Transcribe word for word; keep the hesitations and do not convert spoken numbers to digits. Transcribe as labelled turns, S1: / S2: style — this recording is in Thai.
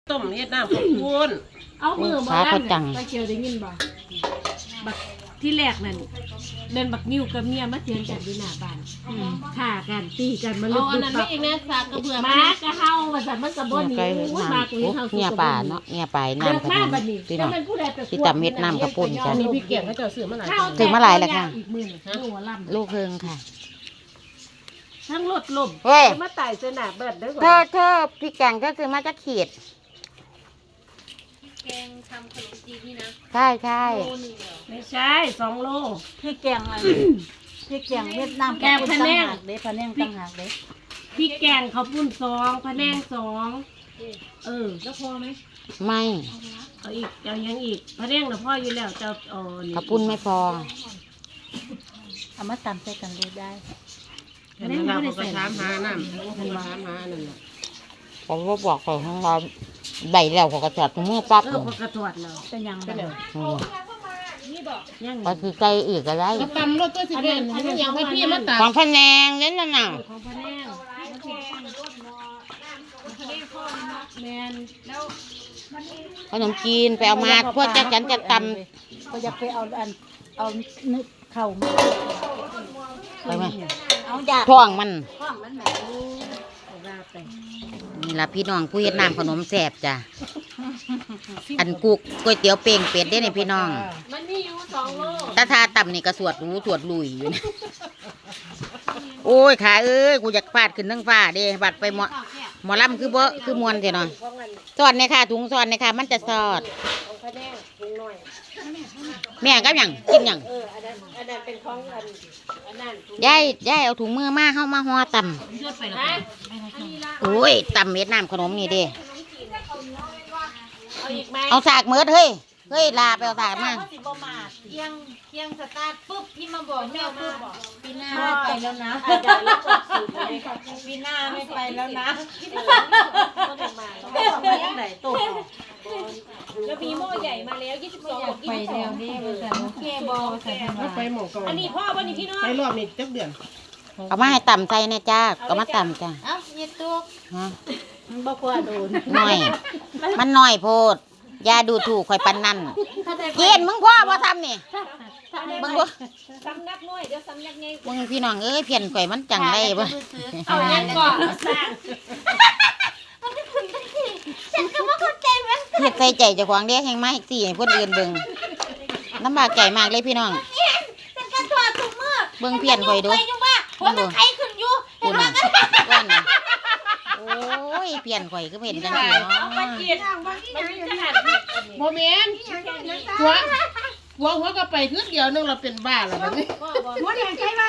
S1: ต้มเฮ็ดน้ำข้าวปุ้น
S2: เอามือมาลั่นไปเกี่ยวได้ยินบ่บักที่แรกนั่นเดินบักนิ้วกับเมียมาเถียงกันอยู่หน้าบ้านฆ่ากันตีกันมาลุกอันนั้นไม่เองนะสากกระเบือมากระเฮาว่าซั่นมันกระบ่หนีมากเลยเฮาเงียป่าเนาะ
S3: เงียป่าน้ำค่ะพี่น้องที่ตำเม็ดน้ำกระปุ้นจ้ะ
S1: นี่พี่เกียงเขาจะซื้อมาหลาย
S3: ซื้อมาหลายแล้วค่ะลูกเฮิงค่ะ
S2: ทั้งรถลมมาไต่เสนาเบิดเด้อ
S3: เธอเธอพี่แกงเธอซื้อมาจากขีด
S4: แกงทำขนมจีนนี่นะ
S3: ใช่ใช่
S2: ไม่ใช่สองโล
S4: พี่แกงอะไรพี่แกงเวียดนาม
S2: แกงพะแนง
S4: เด้พะแนงต่างหากเด้
S2: พี่แกงข้าวปุ้นสองพะแนงสองเออ
S4: แล้วพอไหม
S3: ไม่
S2: เอาอีกเอายังอีกพะแนงน่ะพ่ออยู่แล้วจะอ๋อ
S3: ข้าวปุ้นไม่พอ
S4: เอามาตำใส่กันเลยได้
S1: พะแนงเราก็ถามหาน้ำเขาก็ถามหานั่นแหละ
S3: ผมก็บอกเขาของเราใบแล้วเขาก็ถอดถุงมือปั๊บเลย
S2: เขาก็ถอดแล้ว
S4: เป็นยังไง
S3: ก็คือไก่อีกอะไร
S1: ก็ตำรถตัวสิเป็นให้มันยังให้พี่มาตัก
S3: ของพะแนงเล่นน่ะน่ะ
S2: ของพะแนงแมนแล้ว
S3: ขนมจีนไปเอามาพวกจะฉันจะต
S4: ำก็จะไปเอาอันเอานึกเข่ามา
S3: ไปไหม
S4: เอาอยาก
S3: ท้องมัน
S4: ท้องมันแบบ
S3: นี่ละพี่น้องผู้เฮ็ดน้ำขนมแซ่บจ้ะอันกุกก๋วยเตี๋ยวเป่งเป็ดได้ในพี่น้อง
S2: มันมีอยู่สองโล
S3: ตาทาต่ำนี่ก็สวดรู้สวดลุยอยู่โอ้ยขาเอ้ยกูอยากฟาดขึ้นทั้งฟ้าเด้บัดไปหมอหมอลำคือบ่คือมวนเถอะเนาะสอดในค่ะถุงสอดในค่ะมันจะสอดแม่ก็ยังกินยังยายยายเอาถุงมือมาเข้ามาห่อต่ำโอ้ยต่ำเม็ดน้ำขนมนี่เด้เอาสากเมิดเฮ้ยเฮ้ยลาไปเอาสากมา
S4: เที่ยงเที่ยงสตาร์ทปุ๊บพี่มาบอกแม่ปุ๊บปีหน้าไปแล้วนะปีหน้าไม่ไปแล้วนะ
S2: แล้วมีหม้อใหญ่มาแล้วยี่สิบสองบวกยี่สิบสอง
S4: นี่แต่โอเคบอใส่
S1: ไปหมกก่อน
S2: อันนี้พ่อวันนี้พี่น้อง
S1: ไปรอบนี้จักเดือน
S3: เอามาให้ต่ำใจเนี่ยจ้าก็มาต่ำจ้า
S4: เอ้าเย็ดตัว
S3: ฮะ
S4: มันบ่ควรโดน
S3: หน่อยมันหน่อยโพดยาดูถูกข่อยปันนั่นเย็นมึงพ่อว่าทำนี่มึงบ่
S2: ซ้ำนักน้อยเดี๋ยวซ้ำนักไง
S3: มึงพี่น้องเอ้ยเพี้ยนข่อยมันจังไรบ่
S2: เอาเงินก่อนสร้าง
S4: ฉันก็บ่เข้าใจมัน
S3: เฮ็ดใส่ใจเจ้าของเด้แห่งมาอีกสี่ให้คนอื่นเบิ่งลำบากใจมากเลยพี่น้อง
S4: ฉันก็ตัวถุงมือ
S3: เบิ่งเพี้ยนข่อยดู
S4: ว่ามันไข้ขึ้นอยู่
S3: เห็นบ่ว่าน่ะโอ้ยเพี้ยนข่อยก็เห็นจังซี่เนาะ
S2: มันกินมันกินขนาด
S1: โมเมนต์หัวหัวหัวก็ไปคืนเดียวนึงเราเป็นบ้าแล้วแบบนี้
S4: หัวแดงใช่ไหม